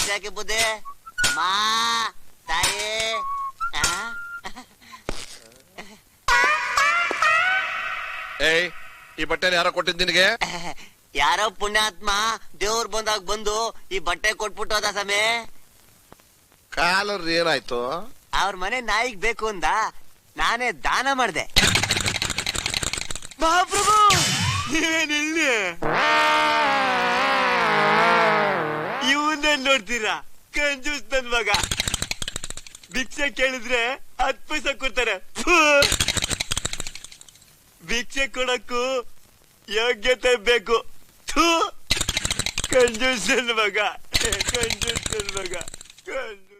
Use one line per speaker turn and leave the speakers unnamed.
ಇಷ್ಟಾಕೆ ಬುದ್ಧಿ ಮಾ ತಾಯಿ
ಏಯ್ ಈ ಬಟ್ಟೆನ ಯಾರೋ ಕೊಟ್ಟಿದ್ ನಿನಗೆ?
ಯಾರೋ ಪುಣ್ಯಾತ್ಮ ದೇವ್ರ ಬಂದಾಗ ಬಂದು ಈ ಬಟ್ಟೆ ಕೊಟ್ಬಿಟ್ಟು ಹೋದ ಸಮೇ.
ಕಾಲರ್ ಏನಾಯ್ತು?
ಅವ್ರ ಮನೆ ನಾಯಿಗ್ ಬೇಕು ಅಂದ, ನಾನೇ ದಾನ ಮಾಡ್ದೆ. ಮಹಾಪ್ರಭು ನೀವೇನಿಲ್ಲಿ ಇವನ್ನೇ ನೋಡ್ತೀರಾ? ಕಂಜೂಸ್ ನನ್ ಮಗ. ಭಿಕ್ಷೆ ಕೇಳಿದ್ರೆ 10 ಪೈಸೆ ಕೊಡ್ತಾರೆ. ಭಿಕ್ಷೆ ಕೊಡಕ್ಕೂ ಯೋಗ್ಯತೆ ಬೇಕು. ಕಂಜೂಸ್ ನನ್ ಮಗ, ಕಂಜೂಸ್ ನನ್ ಮಗ.